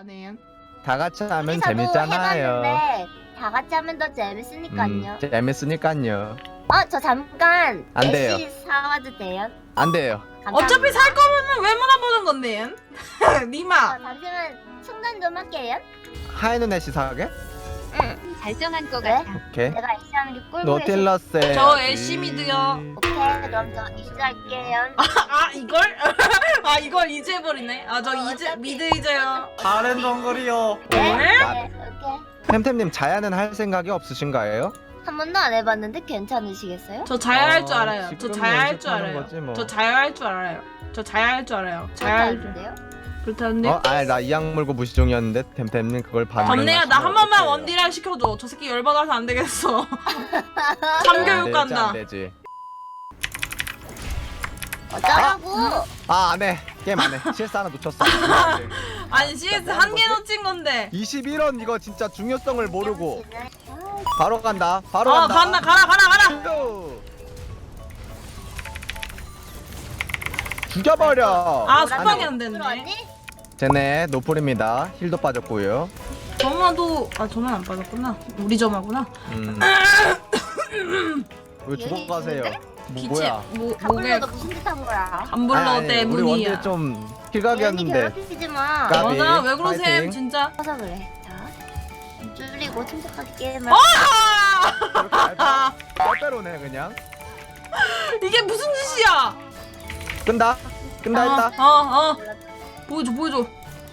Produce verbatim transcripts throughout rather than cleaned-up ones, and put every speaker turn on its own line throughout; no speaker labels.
안 해요?
다 같이 하면
우리사도
재밌잖아요.
해봤는데 다 같이 하면 더 재밌으니까요.
음, 재밌으니까요.
어, 저 잠깐
안 돼요.
애쉬 사와도 돼요?
안 돼요.
감사합니다.
어차피 살 거면은 왜 물어보는 건데? 니마.
어, 잠시만 충전 좀 할게요.
하이는 애쉬 사게?
응.
잘 정한 거
네?
같아.
오케이.
내가 애쉬 하는 게 꿀꿀해.
노틸러스.
저 애쉬 미드요.
오케이, 그럼 저 애쉬 할게요.
아 이걸? 아 이걸 이제 해버리네. 아 저
어,
이제
어차피-
미드 이제요.
다른 정글이요.
네?
왜?
네, 오케이.
템템님 자야는 할 생각이 없으신가요?
한 번도 안 해봤는데 괜찮으시겠어요?
저 자야할 줄
어,
알아요. 저
지금
자야할 줄
연습하는
알아요.
거지, 뭐.
저 자야할 줄 알아요. 저 자야할 줄 알아요. 자야할 줄.
괜찮은데요?
그렇다는데.
어? 아, 나 이악 물고 무시 중이었는데 템템님 그걸 반응.
점내야 나 한 번만 원딜할 시켜줘. 저 새끼 열받아서 안 되겠어. 참교육 간다.
안 되지.
어쩌라고?
아, 안 해. 게임 안 해. 씨에스 하나 놓쳤어.
아니 씨에스 한 개 놓친 건데.
이십일 원 이거 진짜 중요성을 모르고
아,
바로 간다. 바로
어
간다.
간다 가라 가라 가라.
요. 죽여버려.
아
뭐라고?
속박이 안 됐네.
들어왔니?
쟤네 노플입니다. 힐도 빠졌고요.
점화도 아 점화 안 빠졌구나. 우리 점화구나.
음. 왜 죽어가세요? 뭐,
빛이
뭐야?
뭐 목에
가불러도 무슨 짓 한 거야?
간불러
아니, 아니, 우리
때문이야.
원딜 좀
괜히
킬각이었는데.
괴롭히지 마.
까비.
맞아 왜 그러셈
파이팅.
진짜.
커서 그래. 자, 줄이고 침착하게 게임을.
아!
빼빼로네 그냥.
이게 무슨 짓이야?
끈다. 끈다 했다.
어, 어. 보여줘, 보여줘.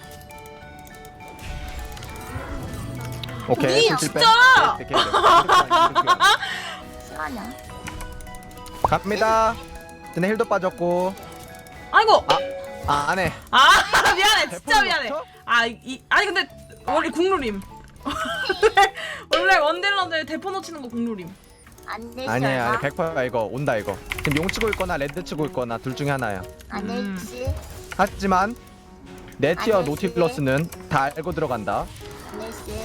오케이.
니
실패.
진짜!
오케이, 오케이, 오케이.
시간이야.
갑니다. 쟤네 힐도 빠졌고.
아이고.
아, 안 해.
아, 미안해. 진짜
대포는
미안해.
없죠?
아, 이 아니 근데 원래 국룰임. 원래 원딜러들 대포 놓치는 거 국룰임.
안 되지.
아니에요. 아니, 백 퍼센트 이거 온다 이거. 지금 용 치고 있거나 레드 치고 있거나 둘 중에 하나야.
안
음.
되지.
하지만 내 티어
안 되지.
노티플러스는 다 알고 들어간다.
안 되지.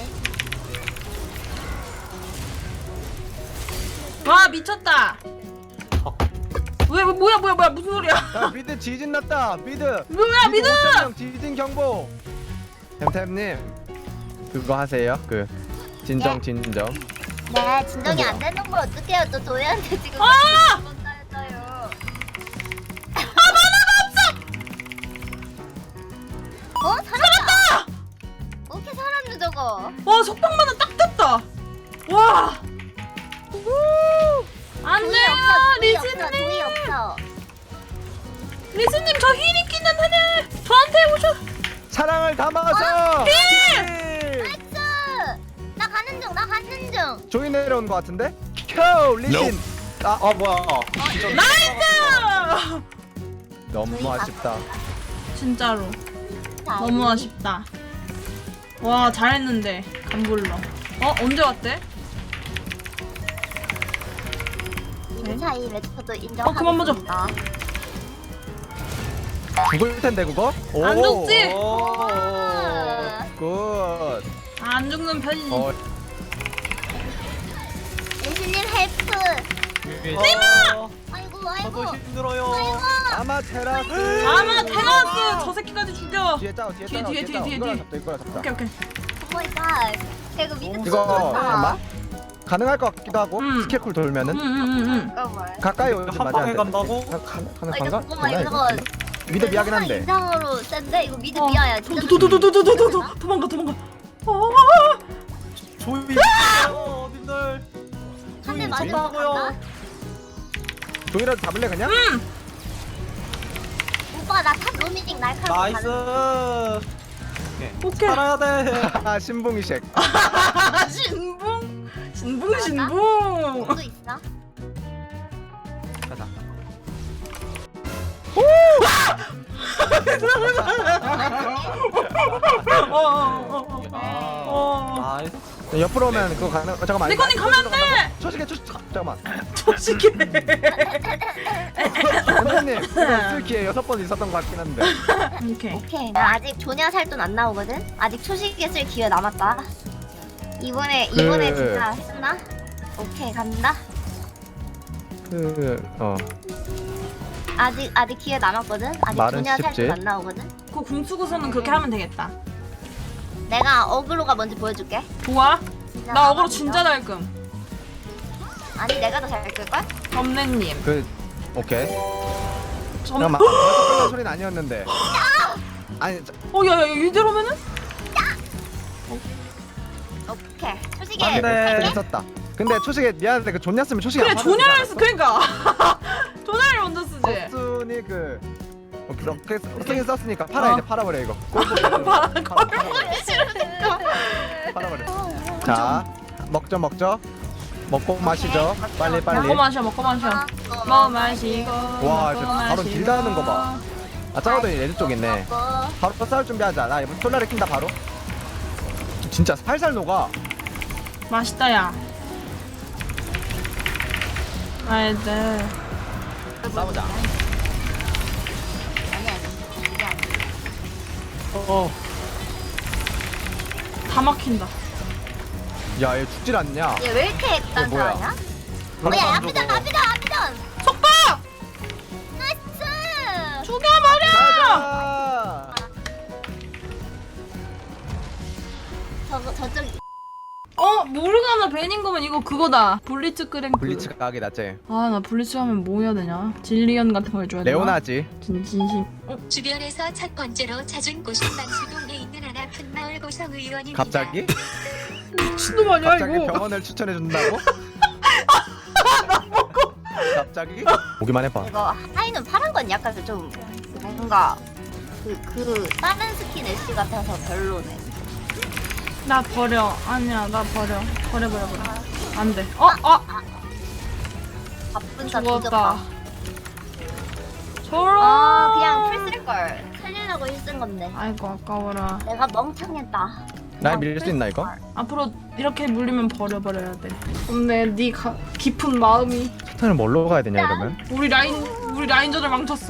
와, 미쳤다. 왜, 왜 뭐야, 뭐야, 뭐야. 무슨 소리야?
야, 미드 지진 났다. 미드.
뭐야, 미드!
오천 명 지진 경보. 템템님 그거 하세요. 그 진정
예.
진정.
네, 진정이
뭐야?
안 되는 걸 어떡해요? 또 도희한테 지금.
아!
따였어요. 어? 살았다! 어떻게 살았노 저거?
와, 속박만은 딱 됐다. 와. 안
도희
돼요,
없어, 도희 없어, 도희
리즈님.
없어.
리즈님, 저 힐 있기는 하네. 저한테 오셔.
사랑을 담아서.
힐!
나이스! 나 가는 중, 나 가는 중.
조이 내려온 것 같은데? 켜 리신. 아
아 뭐야?
나이스!
너무 아쉽다.
진짜로.
자,
너무
우리
아쉽다. 와 잘했는데 간불러. 어 언제 왔대?
미드 차이 매트도 인정.
어, 그만 보자.
죽을 텐데 그거?
안 죽지?
오.
굿.
아, 안 죽는 편이지.
어,
예수님 헬프.
니마!
아이고,
저도
아이고.
힘들어요.
아마테라스.
아마 테라스 저 새끼까지 죽여.
뒤에 짜오 뒤에
뒤에,
짜오
뒤에, 뒤에, 뒤에,
이거랑
뒤에.
잡자 이거랑 잡자.
오케이 오케이.
오 마이 갓. 이거 미드
이거
쳤다.
잠깐만. 가능할 것 같기도 하고
음.
스킬쿨 돌면은
응응응응.
잠깐만.
가까이 오지
한
맞아.
방에 간다고?
가능
아, 이거
가능한가?
잠깐만,
되나,
이거
이거? 미드 미하긴 한데.
이상으로 센데 이거 미드
어.
미아야. 진짜.
도도도도도도도도 도망가 도망가. 어.
조이. 어, 님들.
한대
조이,
맞으면
조이.
간다.
종이라도 잡을래 그냥?
오빠 나탑 로밍 날카롭게
나이스.
가는
오케이.
살아야 돼.
아 신봉이쉑.
신붕 신붕 신붕.
것도 있어.
가자.
어어어.
아.
어.
나이스.
옆으로 오면 그거 가능. 어, 잠깐만.
니코님 가면 안 돼.
초식해 초식. 잠깐만.
조식해.
선생님 쓸 기회 여섯 번 있었던 것 같긴 한데.
오케이.
오케이. 나 아직 조냐 살 돈 안 나오거든. 아직 초식에 쓸 기회 남았다. 이번에
그-
이번에 진짜 했나? 오케이 간다.
그 어.
아직 아직 기회 남았거든. 아직
말은
조냐 살
쉽지.
돈 안 나오거든.
그 궁수고서는 그렇게 하면 되겠다.
내가 어그로가 뭔지 보여줄게.
좋아.
진짜
나 어그로
나만
진짜
믿어.
잘 끔.
아니 내가 더 잘 끌걸?
점내님.
그 오케이.
점.
잠깐만. 벌써 끝난 소리는 아니었는데. 아니 저-
어, 야, 야, 야, 이대로면은?
오케이. 초식에
아,
네.
할게.
했었다. 근데 초식에 미안한데 그 존냐쓰면 초식이
그래,
안 받아주지
조냐를
않았어?
쓰, 그니까. 조냐를 먼저 쓰지.
버순이 그 어, 그렇게 쓰긴 썼으니까 팔아
어.
이제 팔아버려 이거. 팔아 팔아버려. 자 먹죠 먹죠. 먹고 마시죠. 빨리 빨리.
먹고 마셔, 먹고 마셔. 먹어 마시고.
와,
먹고
저 바로
마시고.
딜 다하는 거 봐. 아 짜고도 레드 쪽 있네.
먹고.
바로 싸울 준비하자. 나 이번 솔라를 킨다 바로. 진짜 살살 녹아.
맛있다, 야. 아이들.
싸우자.
아니 아니 이게 아니야.
어.
다 막힌다.
야 얘 죽질 않냐?
얘 왜 이렇게
뭐야?
단단하냐?
바로
뭐야
안
앞이전
죽어.
앞이전 앞이전.
속박!
나이스.
죽여버려!
가자.
저거 저쪽
어, 모르가나 베닌 거면 이거 그거다. 블리츠 크랭크.
블리츠 가게 낫지.
아, 나 블리츠 하면 뭐 해야 되냐? 진리언 같은 거 해줘야 되나?
레오나지.
진, 진심.
주변에서 첫 번째로 찾은 곳은 만수동에 있는 한 아픈 마을 고성 의원입니다.
갑자기?
미친놈 아니야,
갑자기
이거?
병원을 추천해 준다고? 갑자기? 보기만 해봐.
이거 하이는 파란 건 약간 좀 뭔가 그 그 다른 스킨 애쉬 같아서 별로네.
나 버려. 아니야, 나 버려. 버려, 버려, 버려. 안 돼. 어, 어!
바쁜 사
죽었다.
뒤졌다.
저런!
아 그냥 풀 쓸 걸. 살리려고 힘쓴 건데.
아이고, 아까워라.
내가 멍청했다.
날 밀릴 수 있나 이거?
앞으로 이렇게 물리면 버려버려야 돼. 근데 네 가, 깊은 마음이
스타는 뭘로 가야 되냐 이러면?
우리 라인 우리 라인전을 망쳤어.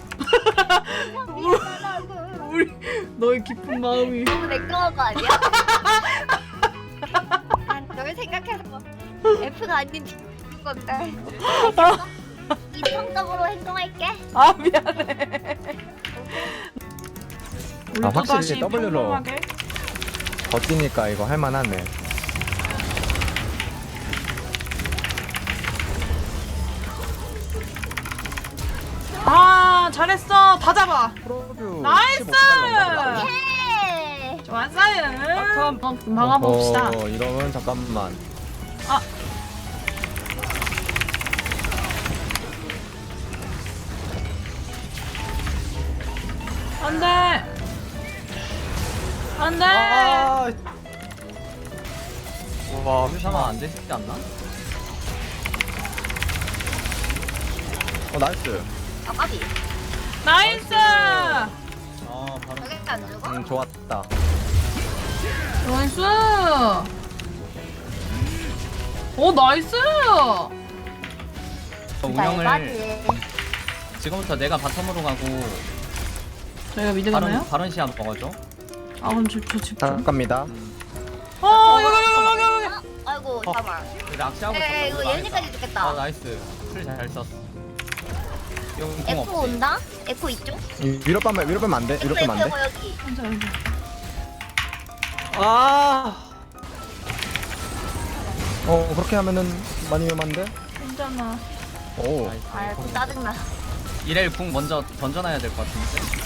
우리 너의 깊은 마음이.
너무 냉정한 거 아니야? 난 널 생각해서 F가 아닌 건데. 이성적으로 행동할게.
아 미안해. 우리
아,
또
확실히
다시
더블유로.
평범하게.
버티니까 이거 할만하네.
아 잘했어. 다 잡아.
프로뷰
나이스!
예.
좋았어요. 어, 막아봅시다.
어, 이러면 잠깐만.
아. 안돼. 안돼.
아. 와, 상황 안 되지 않나?
어 나이스.
아 까비.
나이스.
아, 바로.
저게 안 죽어?
음 좋았다.
나이스. 오 나이스.
운영을
날바지.
지금부터 내가 바텀으로 가고
저희가 미드 가나요?
바론 바론 시합 먹어줘.
아 그럼 저저 집중.
잠깐입니다.
어 여기 여기 여기 여기.
어? 아이고
어.
잠깐만.
낚시하고
에
있었어.
이거 예은이까지 죽겠다.
아 나이스. 풀잘 썼어. 이거 공
에코
없지.
온다? 에코 이쪽?
이- 위로 빼면 위로 빼면 안 돼. 위로
에코
빼면 안
에코
돼.
여기.
혼자 여기.
아.
어 그렇게 하면은 많이 위험한데.
괜찮아.
오.
아이고 짜증나.
이렐 궁 먼저 던져놔야 될 것 같은데.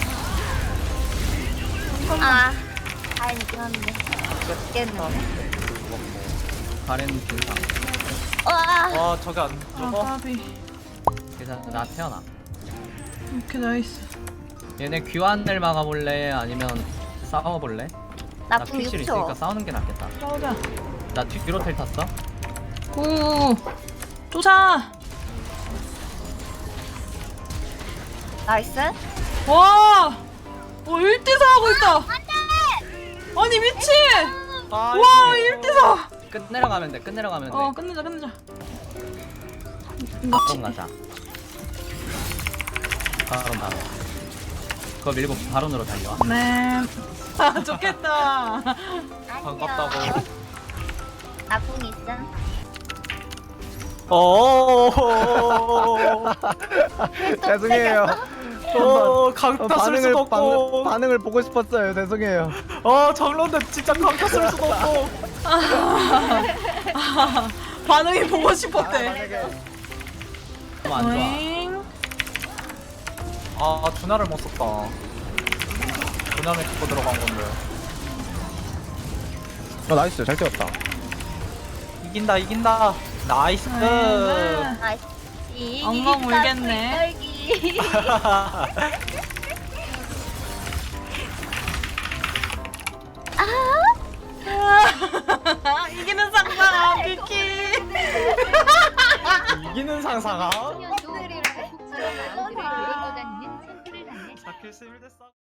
아 다행이긴 한데. 몇 개는.
가렌 분상.
와.
아 저게 안
아 까비.
그래서 나 태어나.
오케이 나이스.
얘네 귀환을 막아볼래? 아니면 싸워볼래? 나
나궁
퀴실
육
있으니까
초.
싸우는 게 낫겠다.
싸우자.
나 뒤로 텔 탔어.
구. 쫓아.
나이스.
와. 어 일 대 사 하고 있다.
안돼.
아니 미친.
아,
와 일 대 사.
끝내러 가면 돼. 끝내러 가면 돼.
어 끝내자 끝내자. 이거
바론 가자. 바론 바론. 그거 밀고 바론으로 달려와.
네. 아 좋겠다.
반갑다고.
나궁 있음.
어.
죄송해요.
어 강타 쓸
반응을
수도
반응,
없고.
반응을 보고 싶었어요. 죄송해요.
어 정론데 진짜 강타 쓸 수도 없고.
반응이 보고 싶었대.
만약에
너무 안 좋아.
오잉.
아 두나를 못 썼다. 두나면 기고 들어간 건데.
어 나이스 잘 찍었다.
이긴다 이긴다. 나이스.
네.
아이씨.
엉엉 울겠네.
떨기.
이기는 상상 비키.
이기는 상상아.
소년도 국처럼 마음들을 데리고 다니는 챔프를 하네.
자킬 스물 됐어.